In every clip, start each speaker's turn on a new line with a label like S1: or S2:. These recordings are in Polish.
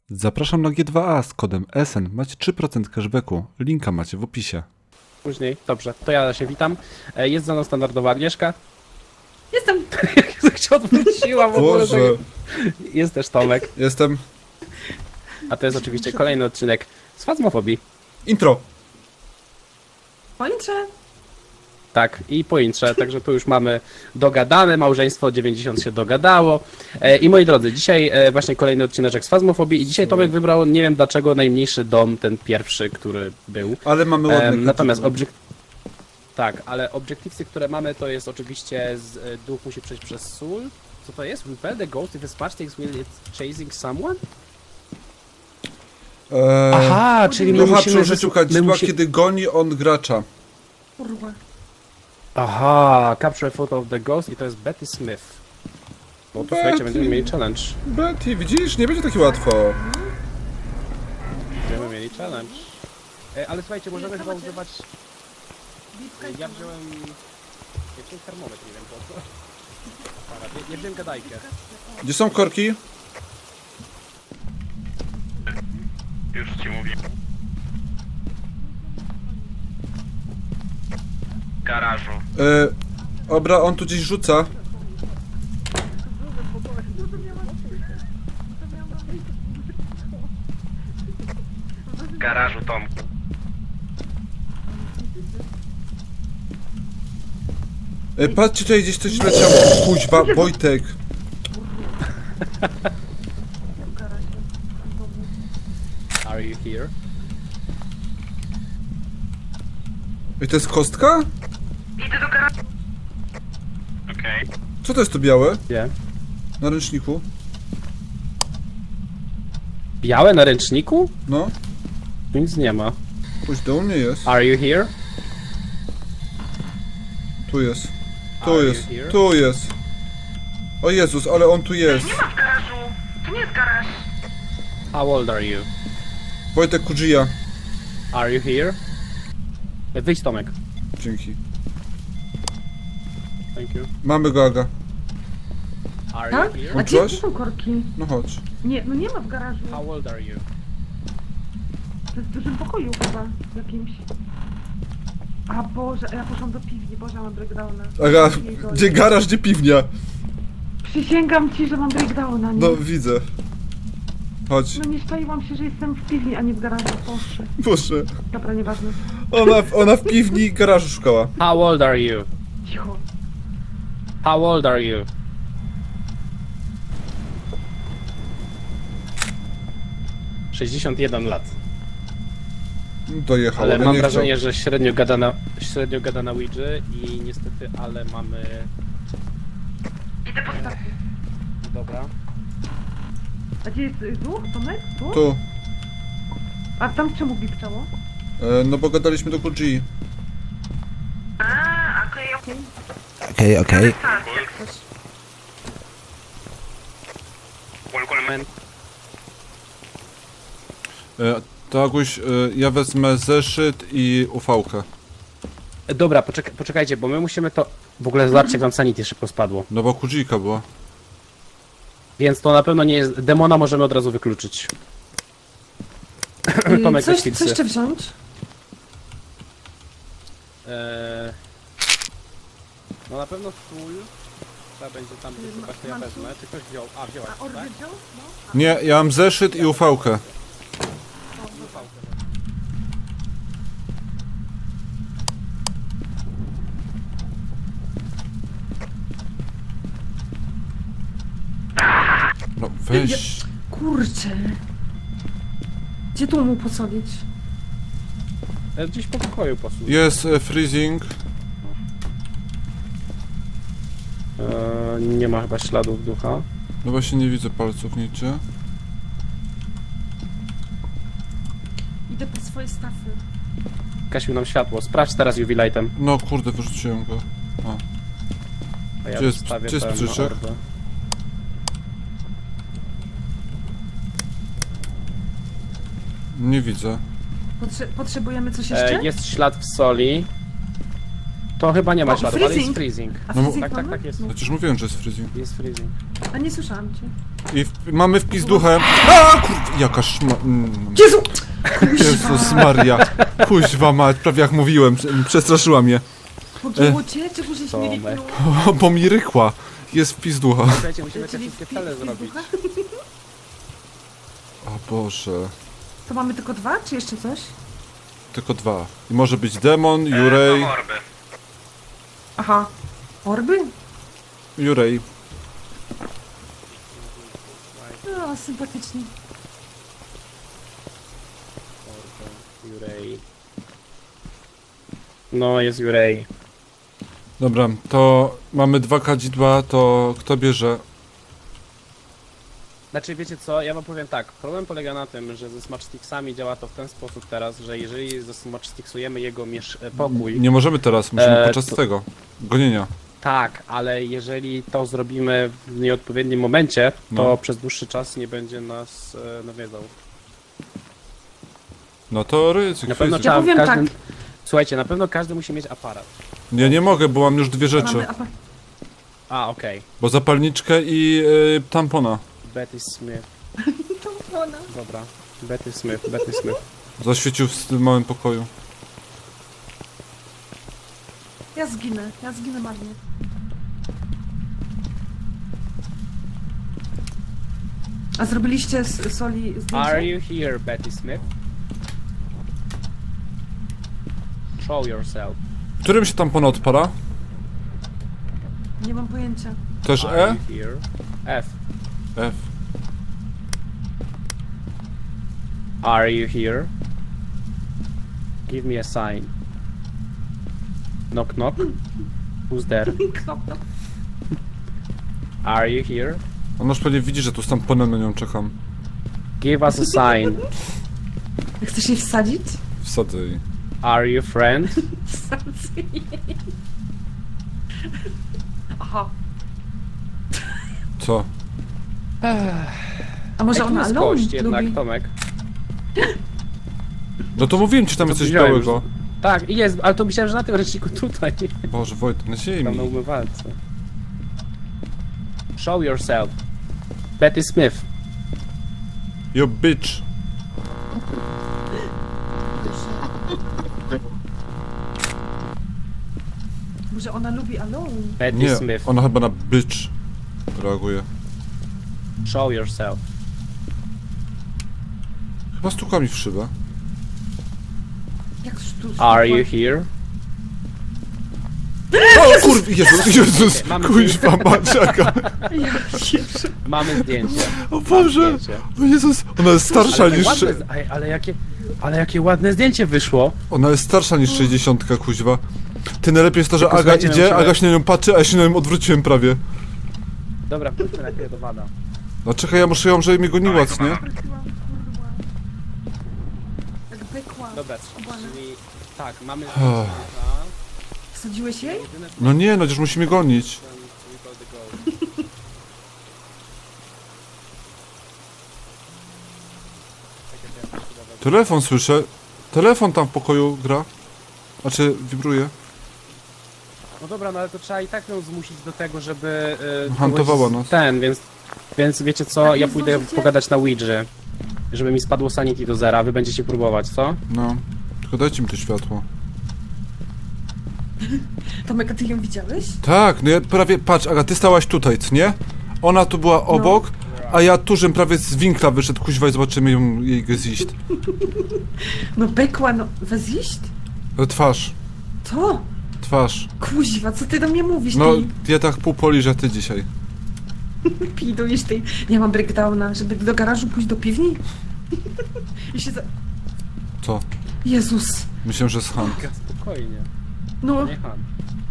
S1: Zapraszam na G2A z kodem SN. Macie 3% cashbacku. Linka macie w opisie.
S2: Później, dobrze, to ja się witam. Jest za mną standardowa Agnieszka.
S3: Jestem!
S2: Jak się odwróciła w ogóle.
S1: Boże.
S2: Jest też Tomek.
S1: Jestem.
S2: A to jest oczywiście kolejny odcinek z Fazmofobii.
S1: Intro.
S3: Pończę!
S2: Tak, i po intrze, także tu już mamy dogadane, małżeństwo 90 się dogadało. I moi drodzy, dzisiaj właśnie kolejny odcineczek z Fazmofobii i dzisiaj Tomek wybrał, nie wiem dlaczego, najmniejszy dom, ten pierwszy, który był.
S1: Ale mamy ładne
S2: Natomiast tak, ale obiektywcy, które mamy, to jest oczywiście duch musi przejść przez sól. Co to jest? Repel the ghost if a spark takes will it's chasing someone? Aha, czyli my
S1: Ducha
S2: musimy...
S1: przeżyciu kadzidła, kiedy goni on gracza.
S3: Kurwa.
S2: Aha, capture a photo of the ghost i to jest Betty Smith. No to słuchajcie, będziemy mieli challenge.
S1: Betty, widzisz? Nie będzie takie łatwo.
S2: Będziemy mieli challenge. Ale słuchajcie, możemy chyba używać... Ja wziąłem termometr, nie wiem po co. Dobra, ja wziąłem gadajkę.
S1: Gdzie są korki?
S4: Już ci mówię. W garażu.
S1: Dobra, on tu gdzieś rzuca.
S4: W garażu, Tomku.
S1: Patrzcie, tutaj gdzieś coś leciało. Kuźwa, Wojtek.
S2: Are you here?
S1: Ej, to jest kostka?
S4: Idę do garażu. Okej.
S1: Co to jest to białe?
S2: Gdzie?
S1: Na ręczniku?
S2: Białe na ręczniku?
S1: No.
S2: Tu nic nie ma.
S1: Kuźda, u mnie jest.
S2: Are you here?
S1: Tu jest. Tu
S2: Are
S1: jest.
S2: you here?
S1: Tu jest. O Jezus, ale on tu jest.
S4: Nie ma w garażu. To nie jest garaż.
S2: How old are you?
S1: Wojtek Kujia.
S2: Are you here? Wyjdź Tomek.
S1: Dzięki.
S2: Thank you.
S1: Mamy go, Aga.
S2: Are
S3: Tak?
S2: you here?
S3: A gdzie
S1: Włączyłaś?
S3: są korki?
S1: No chodź.
S3: Nie, no nie ma w garażu.
S2: How old are you?
S3: To jest w dużym pokoju chyba, jakimś. A Boże, a ja poszłam do piwni, Boże, mam breakdowna.
S1: Aga,
S3: Jego-
S1: gdzie garaż, gdzie piwnia?
S3: Przysięgam ci, że mam breakdowna, nie?
S1: No, widzę. Chodź.
S3: No nie szczaiłam się, że jestem w piwni, a nie w garażu, Boże.
S1: Proszę.
S3: Dobra, nieważne.
S1: Ona w piwni garażu szukała.
S2: How old are you?
S3: Cicho.
S2: How old are you? ...61 lat.
S1: Dojechał,
S2: Ale
S1: ale
S2: mam
S1: nie
S2: wrażenie, że średnio gada na Ouija i niestety, ale mamy...
S4: Idę po stację.
S2: Dobra.
S3: A gdzie jest duch, Tomek? Tu?
S1: chciał. Tu.
S3: A tam czemu bipczało?
S1: No bo gadaliśmy do Kuji.
S4: Okej.
S5: Okej.
S2: Men.
S1: To Aguś, ja wezmę zeszyt i ufałkę.
S2: Dobra, poczekajcie, bo my musimy to... W ogóle zobaczcie, jak nam sanity szybko spadło.
S1: No bo Kujika była.
S2: Więc to na pewno nie jest... Demona możemy od razu wykluczyć. Tomek, weź
S3: Co
S2: pilsy.
S3: jeszcze wziąć?
S2: No na pewno sól. Trzeba będzie tam wysypać, to ja wezmę. Czy ktoś wziął? A, wziąłeś,
S3: A Orby
S2: tak?
S3: wziął? No.
S1: Nie, ja mam zeszyt i ufałkę. No weź.
S3: Kurczę. Gdzie tu mu posolić?
S2: Gdzieś po pokoju posól.
S1: Jest freezing.
S2: Nie ma chyba śladów ducha.
S1: No właśnie nie widzę palców nigdzie.
S3: Idę po swoje stafy.
S2: Gasił nam światło. Sprawdź teraz UV lightem.
S1: No kurde, wyrzuciłem go.
S2: A ja
S1: Gdzie jest-
S2: wstawię
S1: gdzie jest
S2: ten
S1: przyczep?
S2: orbę.
S1: Nie widzę.
S3: Potrzebujemy coś jeszcze?
S2: Jest ślad w soli. To chyba nie ma
S3: O,
S2: śladu, ale jest
S3: freezing.
S2: freezing.
S3: A
S1: No,
S3: freezing
S2: Tak, tak,
S3: mamy?
S2: tak jest.
S3: No.
S1: Przecież mówiłem, że jest freezing.
S2: Jest freezing.
S3: A nie słyszałam cię.
S1: I mamy wpis duchem. A kurde, jaka szma...
S3: Jezu!
S1: Jezus Maria. Kuźwa mać, prawie jak mówiłem, przestraszyła mnie.
S3: Pogięło cię? Czego żeś
S2: Tomek.
S3: nie ryknął?
S1: O, bo mi rykła. Jest wpis ducha.
S2: Słuchajcie, musimy te
S3: Czyli
S2: wszystkie cele
S3: wpis
S2: zrobić.
S3: ducha?
S1: O Boże.
S3: To mamy tylko 2, czy jeszcze coś?
S1: Tylko 2. I może być demon, Jurej.
S4: Mam orby.
S3: Aha. Orby?
S1: Jurej.
S3: No, sympatycznie.
S2: Jurej. No, jest Jurej.
S1: Dobra, to mamy 2 kadzidła, to kto bierze?
S2: Znaczy, wiecie co, ja wam powiem tak, problem polega na tym, że ze Smatchsticksami działa to w ten sposób teraz, że jeżeli zasmatchsticksujemy jego pokój,
S1: Nie możemy teraz, musimy podczas
S2: to-
S1: tego. Gonienia.
S2: tak, ale jeżeli to zrobimy w nieodpowiednim momencie, to
S1: No.
S2: przez dłuższy czas nie będzie nas nawiedzał.
S1: No to ryzyk.
S2: Na pewno
S1: ryzyk.
S2: trzeba w
S3: powiem
S2: każdym...
S3: tak.
S2: Słuchajcie, na pewno każdy musi mieć aparat.
S1: Ja nie mogę, bo mam już 2 rzeczy.
S3: Mamy
S2: A, okej.
S1: Bo zapalniczkę i tampona.
S2: Betty Smith.
S3: Ona.
S2: Dobra. Betty Smith, Betty Smith.
S1: Zaświecił w tym małym pokoju.
S3: Ja zginę marnie. A zrobiliście z soli
S2: Are
S3: zdjęcie?
S2: you here, Betty Smith? Show yourself.
S1: Którym się tampona odpala?
S3: Nie mam pojęcia.
S1: Też
S2: Are
S1: E?
S2: you here? F.
S1: F.
S2: Are you here? Give me a sign. Knock knock. Who's there?
S3: Knop.
S2: Are you here?
S1: On już pewnie widzi, że tu z tamponem na nią czekam.
S2: Give us a sign.
S3: Chcesz jej wsadzić?
S1: Wsadzę jej.
S2: Are you friend?
S3: Wsadzę jej. Aha.
S1: Co?
S3: A może
S2: Ej, tu
S3: ona
S2: jest
S3: alone
S2: kość jednak,
S3: lubi?
S2: Tomek.
S1: No to mówiłem ci, tam jest coś
S2: widziałem
S1: białego.
S2: Tak, i jest, ale to myślałem, że na tym ręczniku tutaj.
S1: Boże, Wojtek, na
S2: Tam na
S1: ziemi.
S2: umywalce. Show yourself. Betty Smith.
S1: You bitch.
S3: Może ona lubi alone?
S2: Betty
S1: Nie,
S2: Smith.
S1: ona chyba na bitch reaguje.
S2: Show yourself.
S1: Chyba stuka mi w szybę.
S3: Jak tu
S2: Are you here?
S1: O kurwa, Jezus,
S2: Mamy
S1: kuźwa maciaka.
S2: Mamy zdjęcie.
S1: O Boże,
S2: Zdjęcie.
S1: o Jezus, ona jest starsza
S2: Ale,
S1: niż...
S2: ładne, ale jakie ładne zdjęcie wyszło.
S1: Ona jest starsza niż 60, kuźwa. Ty najlepiej jest to, że
S2: Tylko
S1: Aga
S2: słuchajcie,
S1: idzie,
S2: musimy-
S1: Aga się na nią patrzy, a ja się na nią odwróciłem prawie.
S2: Dobra, wróćmy najpierw do Wada.
S1: No czekaj, ja muszę ją, żeby mnie goniła, co nie?
S3: Jak bykła.
S2: Dobra,
S3: Skubana.
S2: czyli tak, mamy
S1: Oh.
S2: zdjęcie.
S3: Wsadziłeś jej?
S2: Jedyne co
S1: No nie, no przecież musimy gonić.
S2: we call the goal.
S1: Telefon słyszę. Telefon tam w pokoju gra. Znaczy, wibruje.
S2: No dobra, no ale to trzeba i tak ją zmusić do tego, żeby...
S1: Hantowała
S2: kogoś
S1: nas.
S2: Więc wiecie co,
S3: Tak,
S2: ja
S3: nie
S2: pójdę
S3: zdążycie?
S2: pogadać na Ouija, żeby mi spadło sanity do zera, wy będziecie próbować, co?
S1: No. Tylko dajcie mi to światło.
S3: Tomek, a ty ją widziałeś?
S1: Tak, no ja prawie... Patrz, Aga, ty stałaś tutaj, co nie? Ona tu była obok, a ja tu, żem prawie z winkla wyszedł, kuźwa, i zobaczymy ją, jej gezicht.
S3: No bykła, no weź iść?
S1: Twarz.
S3: To?
S1: Twarz.
S3: Kuźwa, co ty do mnie mówisz?
S1: No,
S3: Ty
S1: ja tak pół poliżę, a ty dzisiaj.
S3: pidujesz tej... Nie mam breakdowna, żeby do garażu pójść do piwni? I się za...
S1: Co?
S3: Jezus.
S1: Myślę, że z Han.
S2: Spokojnie,
S3: No,
S2: nie Han.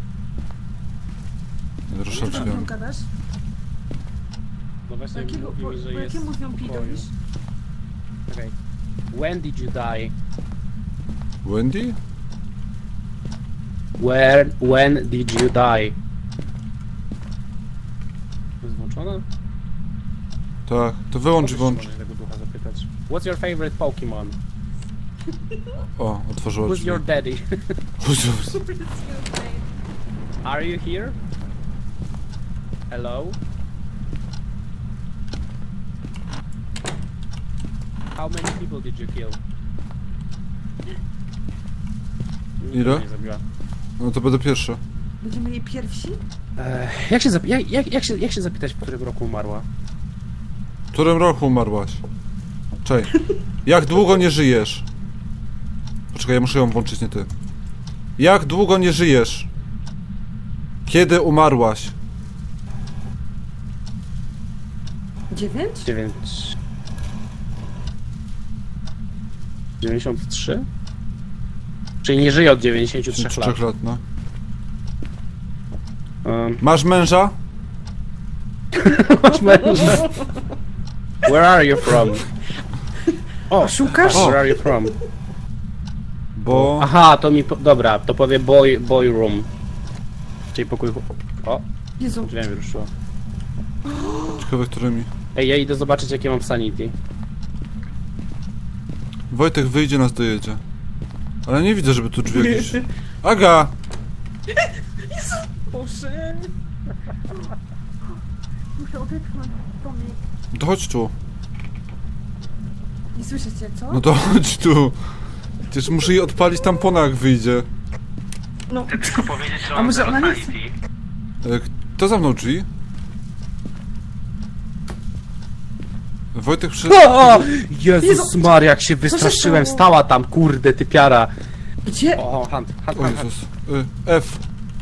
S1: Rusza
S3: co z nią
S1: drzwiami.
S3: gadasz?
S2: No właśnie
S3: Jakiego,
S2: mówi mi, że
S3: po
S2: jest
S3: jakiemu z nią
S2: w pokoju.
S3: pidujesz?
S2: Okej. When did you die?
S1: Wendy?
S2: When did you die? Jest włączona?
S1: Tak, to wyłącz i włącz.
S2: Możesz tego ducha zapytać. What's your favorite Pokemon?
S1: O, otworzyła
S2: Who's
S1: drzwi.
S2: your daddy?
S1: Jezus.
S2: Are you here? Hello? How many people did you kill?
S1: Ile?
S2: Nie zabiła.
S1: No to będę pierwszy.
S3: Będziemy jej pierwsi?
S2: Jak się zapytać, w którym roku umarła?
S1: W którym roku umarłaś? Czej. Jak długo nie żyjesz? Poczekaj, ja muszę ją włączyć, nie ty. Jak długo nie żyjesz? Kiedy umarłaś?
S3: 9?
S2: 93? Czyli nie żyje od 93 lat.
S1: 3 lat, no.
S2: Masz
S1: Masz męża?
S2: męża? Where are you from? O,
S3: Szukasz?
S2: Where are you from?
S1: Bo...
S2: Aha, to mi... Dobra, to powie boy room. Czyli pokój... O,
S3: Jezu.
S2: drzwiami mi ruszyło.
S1: Ciekawe, którymi.
S2: Ej, ja idę zobaczyć, jakie mam sanity.
S1: Wojtek wyjdzie, nas dojedzie. Ale nie widzę, żeby tu drzwi jakieś... Aga!
S3: Boże. Muszę odetchnąć Tomi.
S1: To chodź tu.
S3: Nie słyszycie, co?
S1: No to chodź tu. Przecież muszę jej odpalić tampona, jak wyjdzie.
S3: No.
S4: Ty tylko powiedzieć, że
S3: A
S4: mam
S3: może
S4: zero
S3: ona nie chce?
S4: sanity.
S1: Kto zamknął drzwi? Wojtek przy...
S2: O! Jezus
S3: Jezu,
S2: Maria, jak się wystraszyłem.
S3: stało?
S2: Stała tam, kurde, typiara.
S3: Gdzie?
S2: O, hand.
S1: O Jezus. F.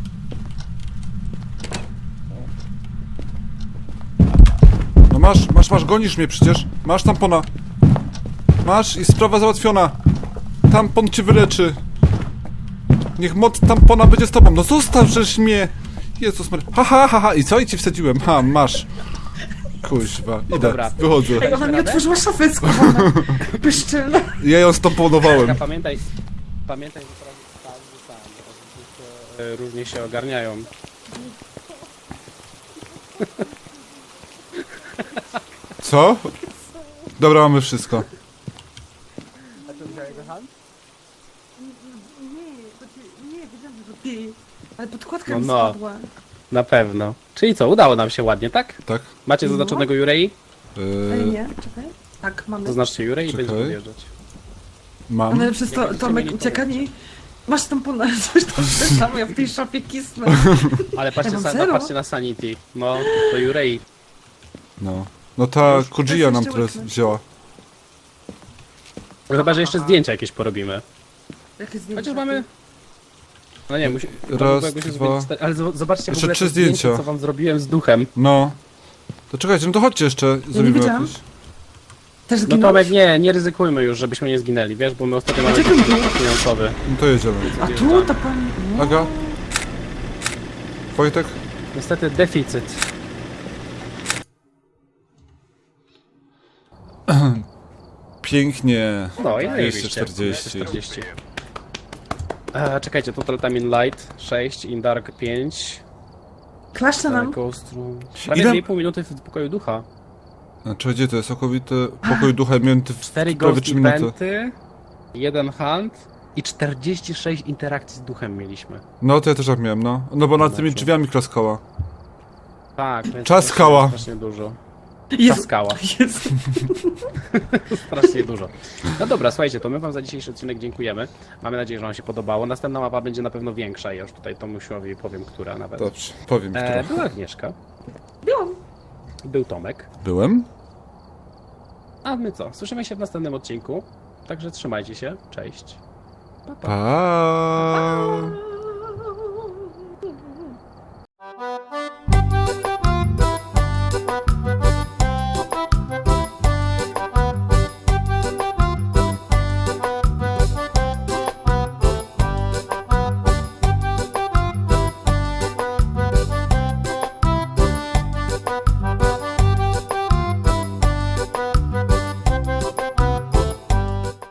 S1: No masz, gonisz mnie przecież. Masz tampona. Masz i sprawa załatwiona. Tampon cię wyleczy. Niech moc tampona będzie z tobą. No zostaw żeś mnie. Jezus Maria. Ha, ha, ha, ha. I co? I ci wsadziłem. Ha, masz. Kuźwa. Idę.
S2: Dobra.
S1: Wychodzę.
S3: Ej, ona mi
S2: radę?
S3: otworzyła szafę schowana. Pyszczylna.
S1: Ja ją stamponowałem.
S2: Pamiętaj, że teraz różnie się ogarniają.
S1: Co? Dobra, mamy wszystko.
S2: A to wziąłeś go hand?
S3: Nie, wiedziałam, że to ty. Ale podkładka
S2: No,
S3: mi
S2: no.
S3: spadła.
S2: Na pewno. Czyli co, udało nam się ładnie, tak?
S1: Tak?
S2: Macie
S3: No.
S2: zaznaczonego Jurei?
S3: Ej, nie, czekaj. Tak, mamy.
S2: Zaznaczcie Jurei i
S1: Czekaj.
S2: będziemy odjeżdżać.
S1: Mam.
S3: Ale przez to Tomek
S2: mieli
S3: ucieka i... Masz tam ponad coś tam samo, ja w tej szafie kisnę.
S2: Ale patrzcie,
S3: Ja mam zero.
S2: patrzcie na Sanity. No, to Jurei.
S1: No. No ta
S3: Już
S1: Kujia nam
S3: jeszcze
S1: teraz
S3: łyknę.
S1: wzięła.
S2: Chyba, że jeszcze zdjęcia jakieś porobimy.
S3: Jakie zdjęcia?
S2: Chociaż mamy... No nie, musi...
S1: Raz,
S2: jakby się
S1: dwa.
S2: zrobić- Ale zobaczcie w
S1: Jeszcze
S2: ogóle
S1: 3
S2: te zdjęcia,
S1: zdjęcia.
S2: co wam zrobiłem z duchem.
S1: No. To czekajcie, no to chodźcie jeszcze, zrobimy
S3: wiedziałam.
S1: jakieś.
S3: Też
S2: No
S3: zginąłeś?
S2: Tomek, nie ryzykujmy już, żebyśmy nie zginęli, wiesz, bo my ostatnio mamy
S3: Dlaczego nie?
S2: kłopot finansowy.
S1: No to jedziemy.
S3: A tu to pani... No.
S1: Aga? Wojtek?
S2: Niestety deficyt.
S1: Pięknie.
S2: No i
S1: 240.
S2: 240. Czekajcie, Total Time in Light 6, in Dark 5,
S3: Klaszcze nam.
S2: Ghost Room... Prawie
S1: Ile?
S2: 2,5 minuty w pokoju ducha.
S1: Znaczy, gdzie to jest? Okowity pokój ducha mięty w
S2: 4
S1: prawie
S2: Ghost
S1: 3 minuty.
S2: Eventy, 1 Hunt i 46 interakcji z duchem mieliśmy.
S1: No to ja też tak miałem, no. No bo nad tymi
S2: Znaczy.
S1: drzwiami klaskała.
S2: Tak, więc
S1: Czaskała.
S2: strasznie dużo.
S3: Jezu.
S2: Czaskała.
S3: Jezu.
S2: Strasznie dużo. No dobra, słuchajcie, to my wam za dzisiejszy odcinek dziękujemy. Mamy nadzieję, że wam się podobało. Następna mapa będzie na pewno większa. Ja już tutaj Tomusiowi powiem, która nawet.
S1: Dobrze, powiem trochę.
S2: Była Agnieszka,
S3: Byłam.
S2: był Tomek.
S1: Byłem?
S2: A my co? Słyszymy się w następnym odcinku. Także trzymajcie się. Cześć. Pa, pa.
S1: Pa.